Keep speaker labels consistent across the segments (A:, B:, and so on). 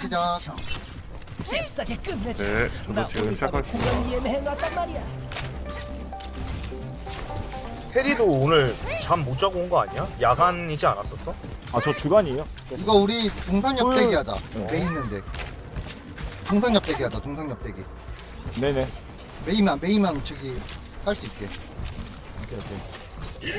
A: 시작.
B: 잽싸게 끝내자.
C: 네, 저도 지금 시작할게요.
B: 해놨단 말이야.
D: 해리도 오늘 잠 못 자고 온 거 아니야? 야간이지 않았었어?
E: 아 저 주간이에요?
A: 이거 우리 동상엽
E: 헐.
A: 대기 하자. 메이 있는데. 동상엽 대기 하자. 동상엽 대기.
E: 네네.
A: 메이만 저기 할 수 있게.
E: 오케이.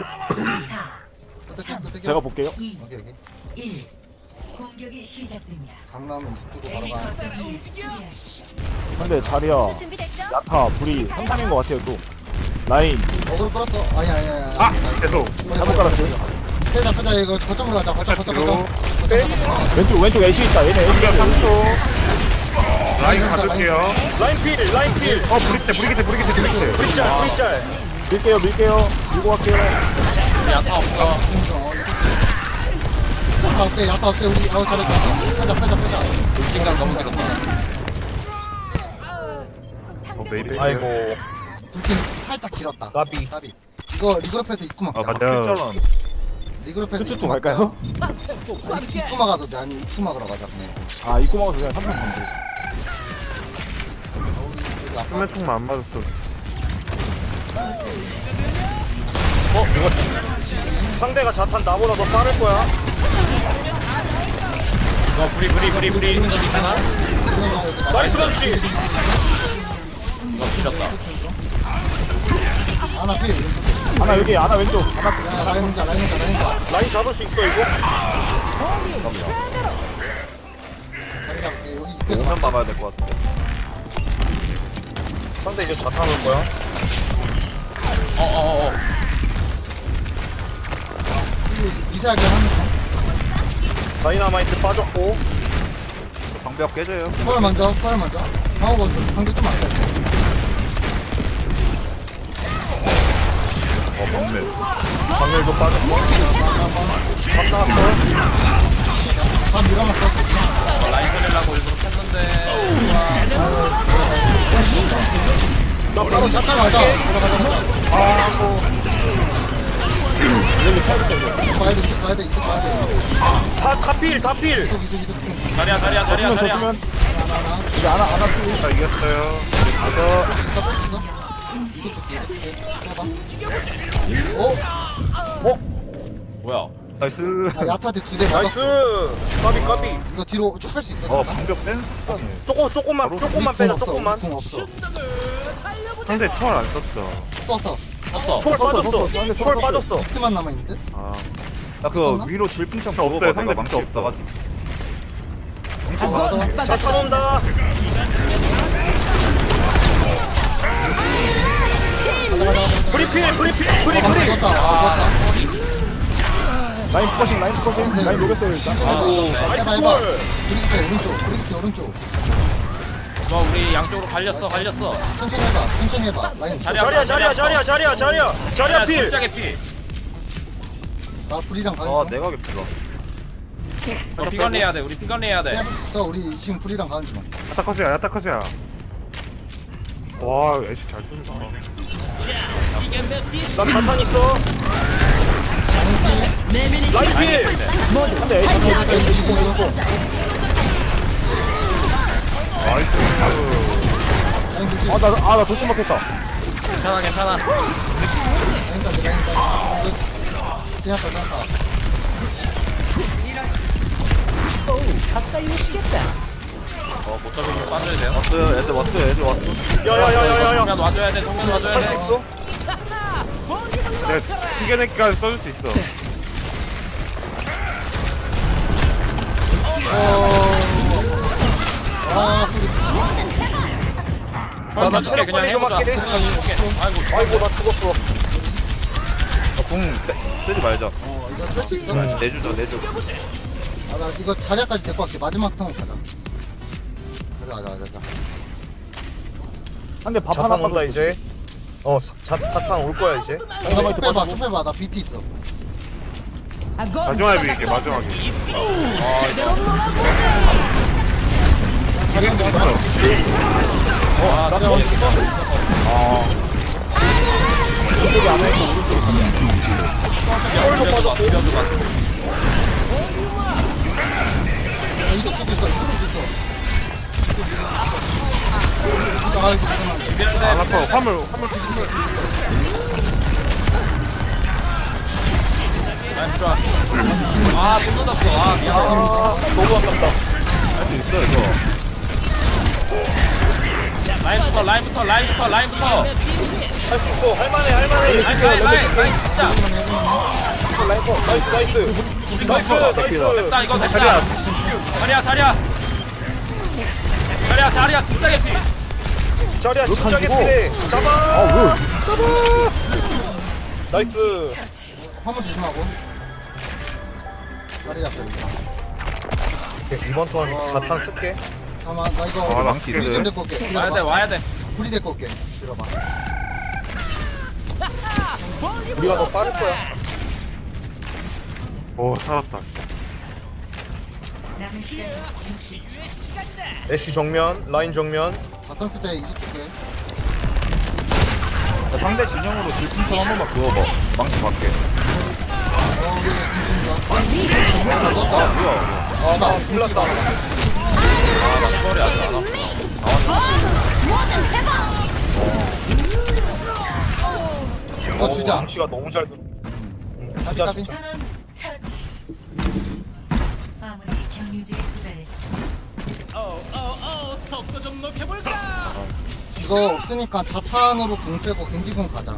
A: 끄떡이.
E: 제가 볼게요.
A: 오케이.
F: 1. 공격이 시작됩니다.
A: 강남은 이습 주고 바로 가.
F: 거점을 수비하십시오.
E: 근데 자리야 야타 불이 상상인 것 같아요 또. 라인
A: 어그로 끌었어. 아니야.
C: 아! 계속
E: 잘못 깔았어요.
A: 빼자 이거 거점으로 가자. 거점.
E: 왼쪽 애쉬 있다. 얘네 애쉬 있어요.
C: 3초 라인 가줄게요.
D: 라인 필!
C: 어 브리기테
D: 브리짤!
E: 밀게요. 밀고 갈게요.
G: 야타 없어.
A: 야타 어때 우리 아우 잘했다. 빼자.
G: 시간 너무 길었다.
C: 메이비.
D: 아이고
A: 둘팀 살짝 길었다.
D: 까비.
A: 이거 리그룹에서 입구 막자.
C: 아 맞아요.
A: 리그룹에서
E: 쭈쭈 갈까요?
A: 입구 막아도 돼. 아니 입구 막으러 가자 그냥.
E: 아 입고 막아서 그냥 3판 건드.
C: 수면 총만 안 맞았어.
D: 상대가 자탄 나보다 더 빠를 거야.
G: 너 브리. 괜찮아?
D: 나이스 그렇지!
G: 너 길었다.
A: 하나 필.
E: 하나 여기 하나 왼쪽 하나
A: 라인 혼자.
D: 라인 잡을 수 있어 이거?
A: 자리 잡을게. 여기 입구에서
G: 오면 막아야 될 것 같아.
D: 상대 이제 자탄 올 거야.
G: 어어어.
A: 미세하게 하는
D: 다이나마이트 빠졌고
G: 방벽 깨져요.
A: 초월 먼저. 방어가 좀 방금 좀 안돼.
C: 먹네.
D: 방열도 빠졌고 밥 나왔어.
A: 밥 밀어놨어.
G: 라인 살리려고 일부러 켰는데.
D: 나 바로
A: 잠깐 가자. 봐야 돼.
D: 다필!
G: 자리야.
E: 줬으면 줬으면 이제 하나
C: 자 이겼어요.
G: 뭐야?
C: 나이스.
A: 야타한테 2대
D: 나이스!
A: 맞았어.
D: 까비.
A: 이거 뒤로 쭉 뺄 수 있어.
C: 방벽 센.
D: 조금만 빼자 조금만.
A: 궁 없어.
C: 상대 초월 안 썼죠.
A: 떴어.
G: 떴어.
D: 초월 빠졌어. 초월 빠졌어.
A: 히트만 남아있는데?
C: 아.
G: 나그
A: 썼나?
G: 위로 질풍참
C: 없어요. 상대 망치 없어.
D: 자탄 온다. 브리필.
A: 떴다.
E: 라인 포커싱 라인 녹였어요 일단.
A: 해봐.
D: 초월.
A: 브리기테 오른쪽.
G: 너 우리 양쪽으로 갈렸어.
A: 천천히 해봐. 라인.
D: 자리야 필.
G: 짝의 피.
A: 나 불이랑 가는 중.
G: 내가 겠다. 피관리해야 돼. 우리 피관리해야 돼.
A: 있어. 우리 지금 불이랑 가는 중.
C: 야타컷이야. 와 애쉬 잘 쏜다.
D: 나 자탄 있어. 라인 필.
E: 근데 애쉬
C: 나이스.
A: 라인 불지.
E: 아나 도둑 먹겠다.
G: 괜찮아.
A: 제압다.
B: 가까이 오시겠다.
G: 못 잡으면 빠져야 돼요. 왔어요. 애들 왔어.
D: 야야야야야.
G: 정면 와줘야 돼.
D: 살 수 있어?
C: 내가 튀겨내기까지 써줄 수 있어.
D: 나 체력
G: 그냥
D: 빨리 좀
G: 해보자.
D: 할게. 아이고 나 죽었어.
G: 궁 쓰지 말자.
A: 이거 뺄 수 있어?
G: 내주자.
A: 나 이거 자리까지 데리고 갈게. 마지막 턴 가자. 가자.
E: 근데 밥
D: 자탄
E: 하나
D: 온다 이제. 자탄 올 거야 이제.
A: 쭉 빼봐. 나 BT 있어.
C: 마지막에 밀게 마지막에.
A: 자리 한 대.
E: 저쪽이 안 해있고 오른쪽이
D: 초월도 빠졌고.
A: 이거 쪽도 있어. 이쪽도 있어. 아이고, 잠깐만.
C: 안 아파. 화물
G: 라인 들어와. 아, 못 넣었어. 아, 미안.
D: 너무 아깝다.
E: 할 수 있어 이거.
G: 라인부터.
D: 할 수 있어. 할만해.
G: 라인 진짜.
D: 나이스.
G: 됐다, 이거 됐다. 자리야, 진짜 개피.
D: 자리야 진짜
E: 주고.
D: 개피네. 잡아.
E: 아
D: 나이스.
A: 화물 조심하고. 자리 잡혀, 이거.
D: 오케이, 이번 턴 자탄 쓸게.
A: 잠깐만, 나 이거.
C: 아, 나
A: 불이 좀 데리고 올게.
G: 와야 돼.
A: 불이 데리고 올게. 들어봐.
D: 우리가 더 빠를 거야.
C: 오 살았다.
F: 남은 시간 60초.
D: 애쉬 정면, 라인 정면.
A: 자탄 쓸 때 이제 줄게.
E: 자, 상대 진영으로 질풍선 한 번만 그어봐. 망치 밖에.
A: 우리 김준수가.
E: 아 뭐야?
D: 아, 나 불났다.
G: 소리 안 나.
A: 이거 주자.
D: 망치가 너무 잘 들어. 주자,
A: 까비.
D: 주자.
F: 전원 처치. 아무리 경유지에 도달했습니다.
A: 이거 없으니까 자탄으로 공 빼고 겐지공 가자.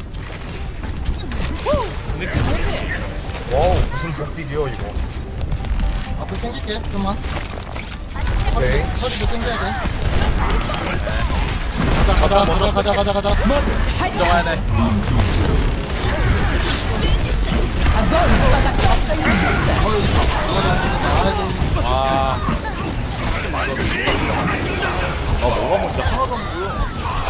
D: 와우, 무슨 복딜이요, 이거.
A: 앞으로 당길게, 좀만.
D: 오케이.
A: 허리도 당겨야 돼. 가자.
G: 들어가야 돼.
A: 아이고,
G: 아,
E: 뭐가 먼저 하나도 안 보여.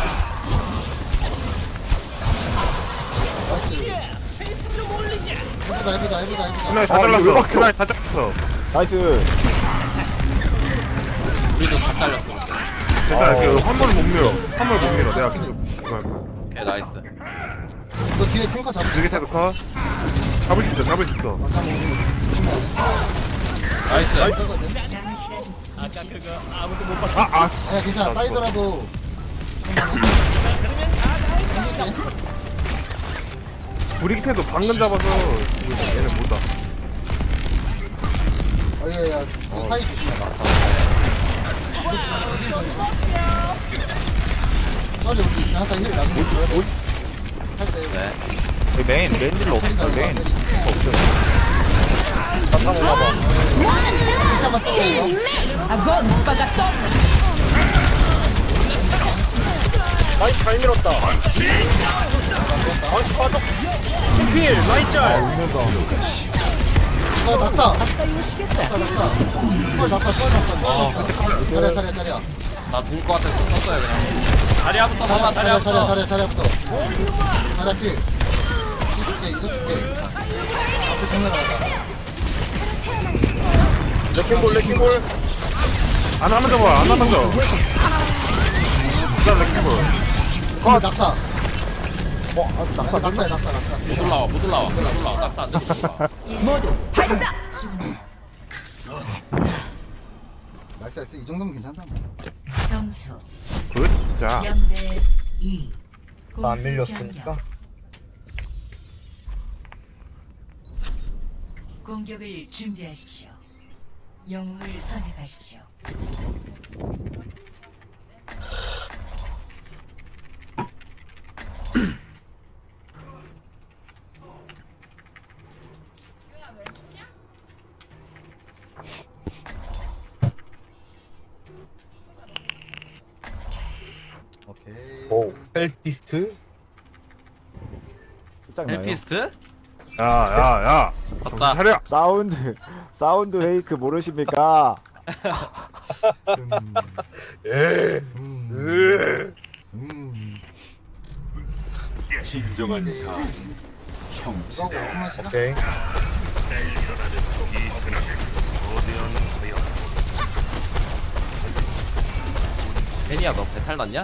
A: 해보자.
C: 그날 다
E: 아, 이거 왜
C: 잘랐어.
E: 막혀?
C: 그날 다 잘랐어.
E: 나이스.
G: 우리도 다 잘렸어.
C: 괜찮아. 그 화물 못 밀어. 내가 그거 할 거야.
G: 오케이, 나이스.
A: 이거 뒤에 탱커 잡을 수
C: 되게
A: 있어.
C: 태도 컷. 잡을 수 있어.
G: 나이스.
A: 거든.
F: 남은 시간
C: 아.
A: 야, 괜찮아. 따이더라도.
C: 브리기 태도 방금 잡아서 얘는 못다.
A: 야, 그 사이 조심해. 빨리 우리 제한타 힐 나중에 줘야 돼. 할때
E: 여기 메인 딜러 없어. 메인 딜러 없어.
D: 자탄 오나봐.
A: 일단만 쓰자 이거.
D: 라인 잘 밀었다. 망치 빠져. 필, 라인 짤.
A: 이거 났다. 펄 났다. 자리야.
G: 나 죽을 것 같아서 썼어요, 그냥. 자리야부터 봐봐, 자리야부터.
A: 자리야부터. 자리야 필. 이거 줄게. 앞에 정면 가자.
D: 레킹볼.
C: 안 하면 잡아. 안 하면 잡아. 일단 레킹볼.
A: 낙사. 낙사.
G: 못 올라와. 낙사 안 되고 못 올라와.
A: 나이스. 이 정도면 괜찮다.
F: 점수
C: 굿. 자.
F: 0대 2.
D: 안 밀렸으니까.
F: 공격을 준비하십시오. 영웅을 선택하십시오.
A: 오케이.
D: 오, 헬피스트.
E: 끝장나요.
G: 헬피스트?
C: 야.
G: 봤다.
C: 차려.
E: 사운드 페이크 모르십니까?
D: 에.
A: 진정한 자. 형제.
D: 오케이.
G: 혜니야, 너 배탈 났냐?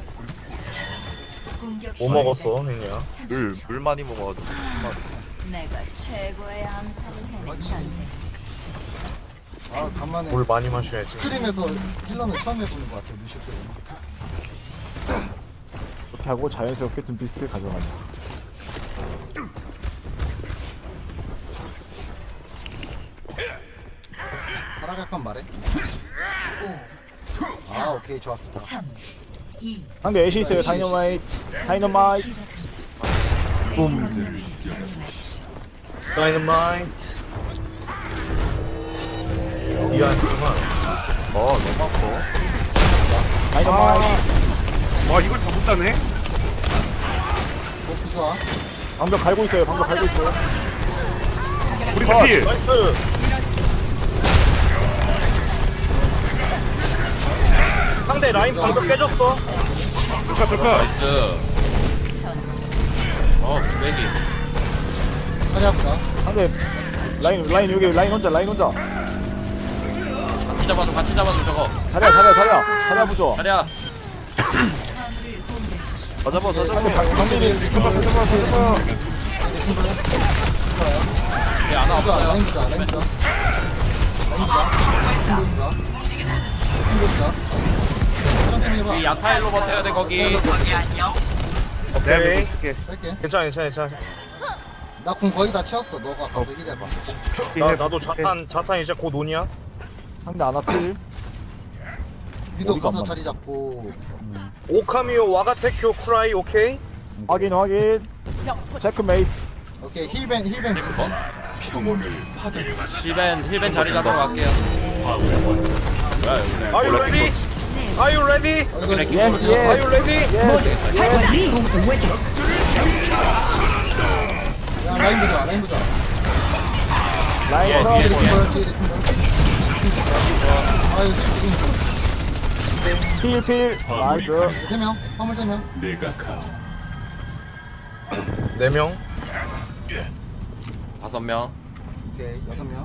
F: 공격
D: 뭐 먹었어, 혜니야?
E: 물 많이 먹어가지고.
F: 내가 최고의 암살을 해낸 현재.
A: 아 간만에
D: 물 많이 마셔야지.
A: 스크림에서 힐러는 처음 해보는 것 같아 루시오 때문에.
E: 이렇게 하고 자연스럽게 둠피스트 가져가는.
A: 따라갈 건 말해. 아 오케이 좋아.
F: 3, 2,
E: 상대 애쉬 있어요. 다이너마이트. 다이너마이트.
F: 시작합니다.
E: 붐.
F: 거점을 점령하십시오.
D: 다이너마이트. 미안하구만.
G: 너무 아파.
E: 다이너마이트.
C: 와 이걸 다 못하네.
A: 버프 좋아.
E: 방벽 갈고 있어요. 방벽 갈고 있어요.
C: 우리 필.
D: 나이스. 상대 라인 방금 깨졌어.
C: 좋다 좋다.
G: 나이스. 매기.
A: 자리 아프다.
E: 상대 라인 여기 라인 혼자.
G: 같이 잡아줘 저거.
E: 자리야 부조.
G: 자리야. 더 잡아.
E: 상대 강민이
G: 안 와.
A: 보자 라인 보자 라인 보자. 라인 보자. 힘 보자. 천천히 해봐.
G: 이 야타일로 버텨야 돼 거기.
C: 내가
D: 오케이.
C: 믿고 있을게.
A: 뺄게.
D: 괜찮아.
A: 나 공 거의 다 채웠어. 너가 가서 힐해봐.
D: 나도 자탄 이제 곧 오냐?
E: 상대 아나필.
A: 위도
E: 어디가
A: 가서
E: 안
A: 자리 잡고.
D: 오카미오 와가테큐 쿠라이 오케이.
E: 확인. 체크메이트.
A: 오케이 힐벤
G: 힐벤 자리 잡으러 갈게요. 뭐야 여기.
D: Are you ready? Are you ready?
A: 이거
E: 예스
D: Are you
E: 예스.
D: ready?
A: 야 라인 보자
E: 라인
G: 예,
E: 크라우드.
A: 아 이거 지금
E: 필. 나이스.
A: 3명 화물 3명
D: 4명.
G: 5명.
A: 오케이 6명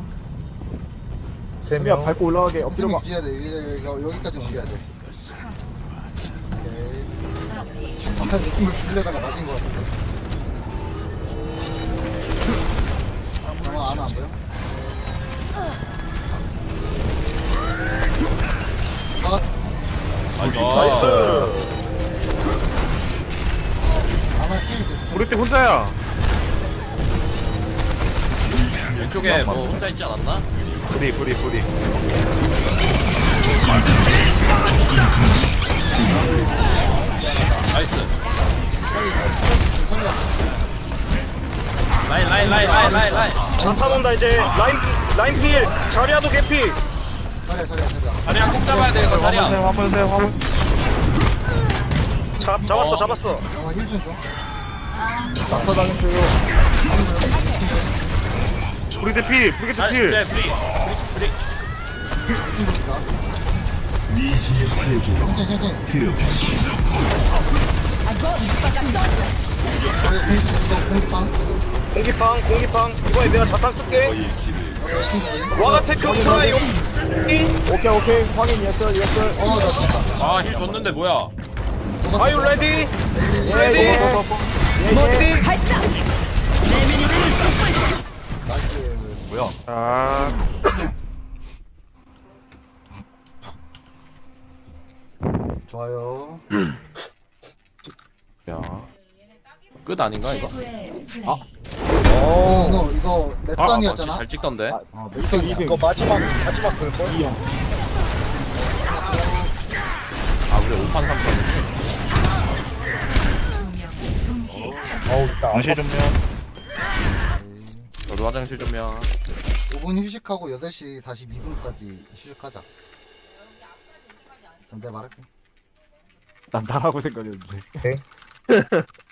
E: 그냥
D: 3명.
E: 밟고 올라가게 엎드려
A: 3명
E: 봐.
A: 유지해야 돼 여기까지 옮겨야 돼 오케이 아까 느낌을 빌려다가 마신 것 같은데 잠깐만 아나 안 보여?
D: 나이스.
A: 아나 힐 됐어
C: 우리 팀 혼자야.
G: 왼쪽에 뭐 혼자 있지 않았나?
C: 뿌리.
G: 나이스. 라인.
D: 자탄 온다 이제. 라인 필. 자리아도 개피.
A: 자리야
G: 자리야 꼭 잡아야 돼 이거 자리야.
C: 화물.
D: 잡았어.
A: 힐좀 줘.
E: 낙사당했어요.
C: 우리 팀 필.
G: 그래
C: 필.
G: 프리.
A: 천천히
D: 공기팡. 이번에 내가 자탄 쓸게. 와가테큐 쿠라이 오케이.
E: 오케이. 확인 예스.
A: 어나 진짜
G: 아 힐 줬는데 뭐야?
D: Are you ready?
E: 예.
D: Ready?
A: 나이스
G: 뭐야?
C: 아.
A: 좋아요
E: 야.
G: 끝 아닌가 이거?
F: 최고의 플레이.
A: 너 이거 맵선이었잖아
G: 잘 찍던데.
E: 이승.
D: 이거 마지막 그걸?
E: 이형.
G: 아 우리 5판 3판.
F: 2명 동시에
D: 어우 나
C: 당시 좀요.
G: 저도 화장실 좀요.
A: 5분 휴식하고 8시 42분까지 휴식하자 좀 내가 말할게
E: 난 나라고 생각했는데.
D: 오케이.